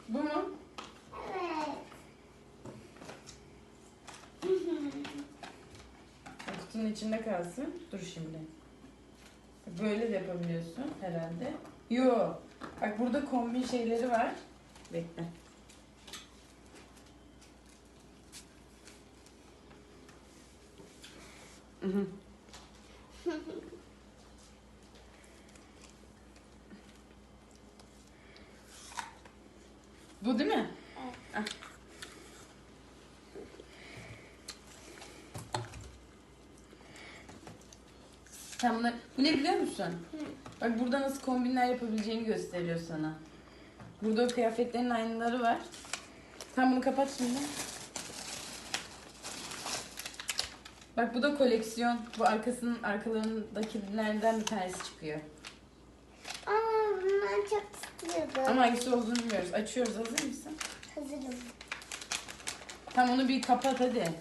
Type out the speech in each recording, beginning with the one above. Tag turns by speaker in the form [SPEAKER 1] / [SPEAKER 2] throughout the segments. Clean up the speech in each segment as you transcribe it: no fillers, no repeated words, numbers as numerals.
[SPEAKER 1] Bu mu?
[SPEAKER 2] Evet.
[SPEAKER 1] Kutunun içinde kalsın. Dur şimdi. Böyle de yapabiliyorsun herhalde. Yo. Bak burada kombin şeyleri var. Bekle. Bu değil mi?
[SPEAKER 2] Evet.
[SPEAKER 1] Ah. Sen bunlar... Bu ne biliyor musun? Bak burada nasıl kombinler yapabileceğini gösteriyor sana. Burada o kıyafetlerin aynaları var. Sen bunu kapat şimdi. Bak bu da koleksiyon. Bu arkalarındakilerden bir tanesi çıkıyor.
[SPEAKER 2] Aa, bundan çok istiyordum.
[SPEAKER 1] Ama hangisi olduğunu bilmiyoruz. Açıyoruz. Hazır mısın?
[SPEAKER 2] Hazırım.
[SPEAKER 1] Tamam onu bir kapat hadi.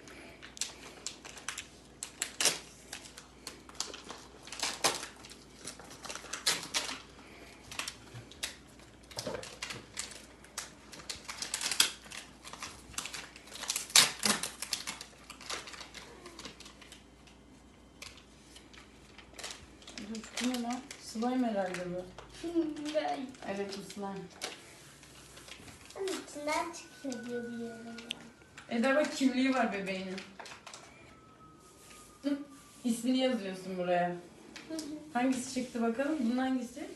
[SPEAKER 1] Bu ne lan? Slime herhalde bu. Evet bu slime.
[SPEAKER 2] Onun içinden çıkıyor diye biliyorum ben.
[SPEAKER 1] Eda bak kimliği var bebeğinin. Hı, İsmini yazıyorsun buraya. Hangisi çıktı bakalım? Bunun hangisi?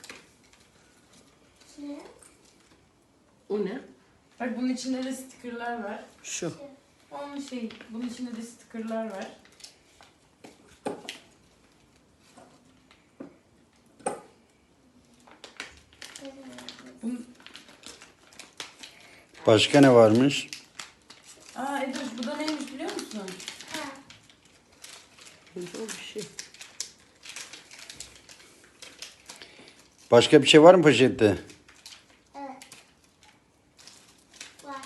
[SPEAKER 2] Ne?
[SPEAKER 3] O ne?
[SPEAKER 1] Bak bunun içinde de stickerlar var.
[SPEAKER 3] Şu.
[SPEAKER 1] Onun şey, bunun içinde de stickerlar var. Bunun...
[SPEAKER 4] Başka ne varmış?
[SPEAKER 1] Aa Eda bu da neymiş biliyor musun?
[SPEAKER 2] Ha.
[SPEAKER 3] O bir şey.
[SPEAKER 4] Başka bir şey var mı poşette?
[SPEAKER 2] Evet. Var.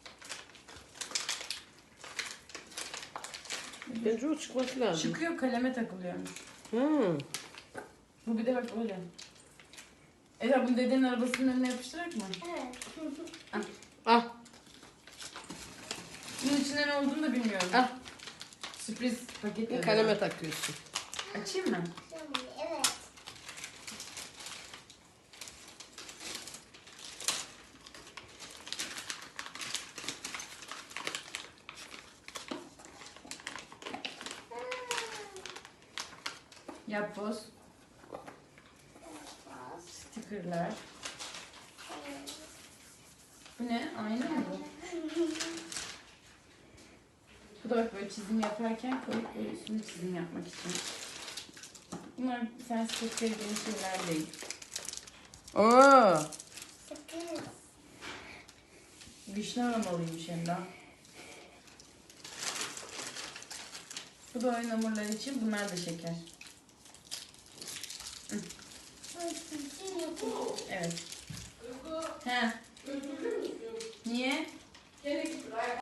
[SPEAKER 3] Bence o çıkması lazım.
[SPEAKER 1] Çıkıyor kaleme takılıyormuş.
[SPEAKER 3] Hı.
[SPEAKER 1] Bu bir de bak öyle. Eda bunu dedenin arabasının önüne yapıştırarak mı?
[SPEAKER 2] Evet.
[SPEAKER 3] Ah.
[SPEAKER 1] Bunun içinde ne olduğunu da bilmiyorum.
[SPEAKER 3] Ah.
[SPEAKER 1] Sürpriz paket yazıyor.
[SPEAKER 3] Kaleme takıyorsun.
[SPEAKER 1] Açayım mı?
[SPEAKER 2] Evet.
[SPEAKER 1] Yapboz. Stickerlar. Bu ne? Ayna mı bu? Bu da bak böyle çizim yaparken koyup böyle üstüne çizim yapmak için. Bunlar sen sticker gibi şeyler değil. Oo,
[SPEAKER 2] Sakız.
[SPEAKER 1] güçlü aromalıymış hem de. Bu da oyun hamurları için. Bunlar da şeker. Evet. He. Niye?